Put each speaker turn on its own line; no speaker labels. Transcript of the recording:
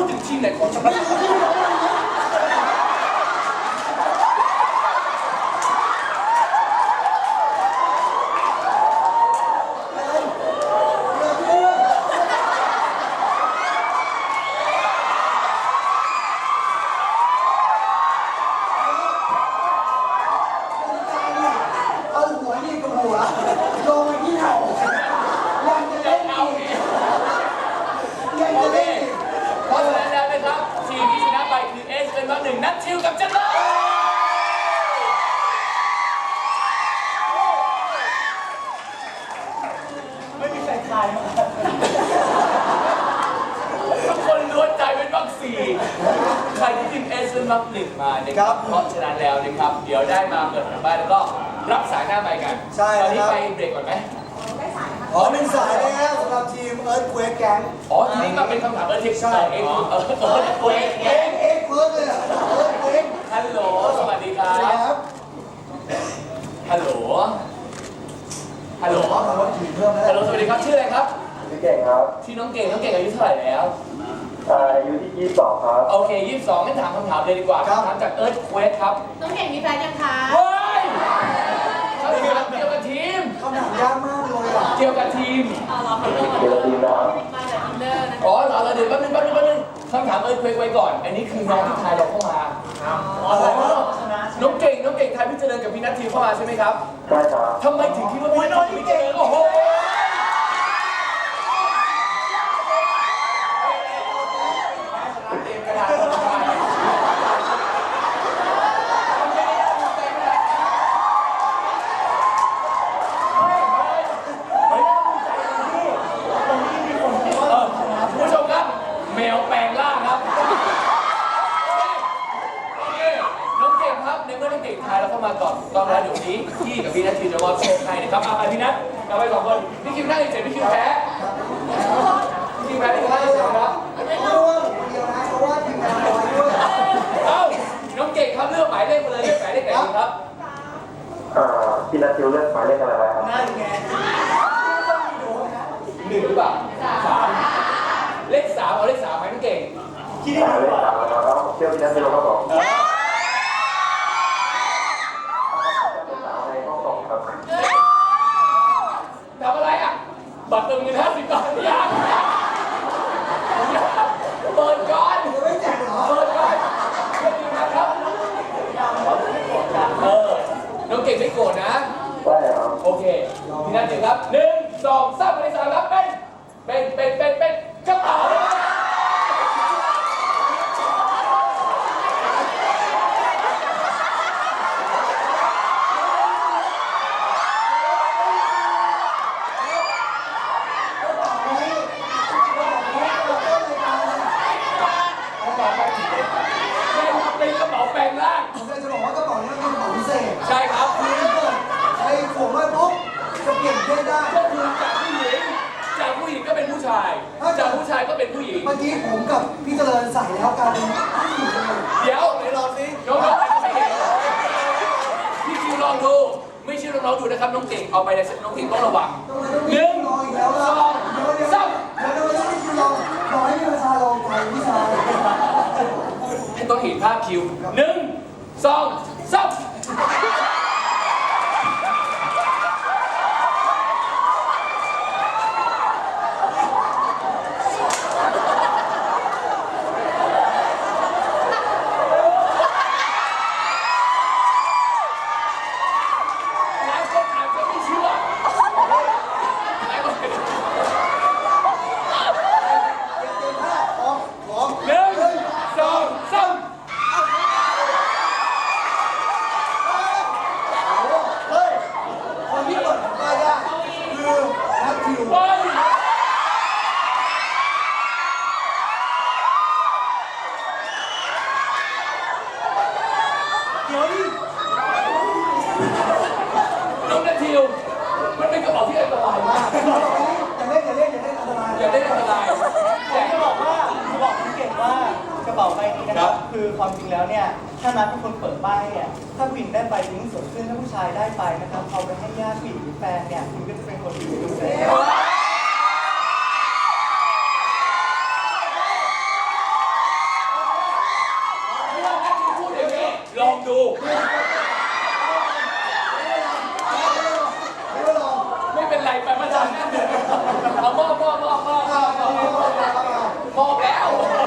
ดถึงทีมไหนของชาตินัททิวกับเจริญ
ไม่มีใครทายมา
ทุกคนล้วนใจเป็นวัคซีนใครที่ทีมเอสเป็นวัคหนึ่งมานะครับเพราะฉะนั้นแล้วนะครับเดี๋ยวได้มาเปิดทางบ้านแล้วก็รับสายหน้าไมค์กัน
ใช่
ตอนนี้ไปเบรกก่อนไหม
อ๋อเป็นสายเลยฮะสำหรับทีมเอิร์ธเควกแก๊ง
อ๋อทีนี้มาเป็นคำถามเอิร์ธเทคใช่เอิร์ธเควก
เอ็กเควกเลยอ่ะเอิร์ธเควก
ฮัลโหลสวัสดีครับฮัลโหลฮัลโหลฮัลโหลสวัสดีครับชื่ออะไรครับ
ชื่อเก่งครับ
ชื่อน้องเก่งอายุเท่าไหร่แล้ว
อายุที่22ครับ
โอเค22งั้นถามคำถามเลยดีกว่าคำถามจากเอิร์ธเควกครับ
น้องเก่งมีแฟนยังคะ
เฮ้ยคำถามเกี่ยวกับทีม
คำถามยากมากเลยอ่ะ
เกี่ยวกับทีม
เกี่ยวกับทีมนะครับ
มาจากอินเดอร์นะ
อ๋อเหรอเดี๋ยวแป๊บนึงคำถามเอิร์ธเควกไว้ก่อนอันนี้คือน้องที่ทายเราเข้ามาน้องเก่งทายพี่เจริญกับพี่นัททิวเข้ามาใช่ไหมครับ
ใช่ครับ
ทำไมถึงคิดว่าพี่นัททิวพี่เจริญโอ้โหผู้ชมครับแมวแปลงร่างครับน้องเก่งครับในเมื่อน้องเก่งทายเราเข้ามาก่อนตอนแรกเดี๋ยวนี้พี่กับพี่นัททิวจะมอบโชคให้นะครับเอาไปพี่นัทเอาไป2 คนพี่คิวได้เฉยพี่คิวแพ้พี่คิวแพ้พี่ได้เฉยครับ
เพราะว่าทีมงานน้อยด้วย
เอ้าน้องเก่งครับเลือกหมายเลขมาเลยเลือกหมายเลขไหนดีครับ
พี่นัททิวเลือกหมายเลขอะไรไว้ครับ
นั่นไง
1หรือเปล่า3เลข3เอาเลข3ไหมน้องเก่ง
คิดได้ดี
เลข
กว่า
3แล้วเชื่อพี่นัททิวครับผมในห้องส่งครับ
ทำอะไรอ่ะบัตรเติมเงิน50 บาทยังเปิดก่อน
ไม่แจกเหรอ
เปิดก่อนเพื่อนดีนะครับน้องเก่งไม่โกรธนะ
ใช่ครับ
โอเคพี่นัททิวครับ1 2 3เลข3ครับเป็นกระเป๋าเป็นกระเป๋าแปลงร่าง
ผมจะบอกว่ากระเป๋านี้เป็นกระเป๋าพิเศษ
ใช่ครับ
คือถ้าเกิดใครขวงไม่ปุ๊บจะเปลี่ยนเพศได้
ก็คือจากผู้หญิงก็เป็นผู้ชายจากผู้ชายก็เป็นผู้หญิง
เมื่อกี้ผมกับพี่เจริญใส่แล้วกัน
เดี๋ยวไหนลองสิน้องๆไม่เห็นพี่คิวลองดูไม่เชื่อน้องๆดูนะครับน้องเก่งเอาไปในเซ็ตน้องเก่งต้องระวัง1 2 3
เดี๋ยวพี่คิวลองขอให้พี่ประชาลองไปพี่ชาย
ต้องเห็นภาพคิว1 2 3น้องนัททิวมันเป็นกระเป๋าที่อันตรายมาก
อย่าเล่นอันตราย
อย่าเล่นอันตราย
แต่จะบอกคุณเก่งว่ากระเป๋าใบนี้นะครับคือความจริงแล้วเนี่ยถ้านัดเป็นคนเปิดป้ายเนี่ยถ้าผู้หญิงได้ไปยิ่งสวยขึ้นถ้าผู้ชายได้ไปนะครับเอาไปให้ญาติผู้หญิงหรือแฟนเนี่ยคุณก็จะเป็นคนดีดูแล
ไปมาจากนั่นเอามอบแล้ว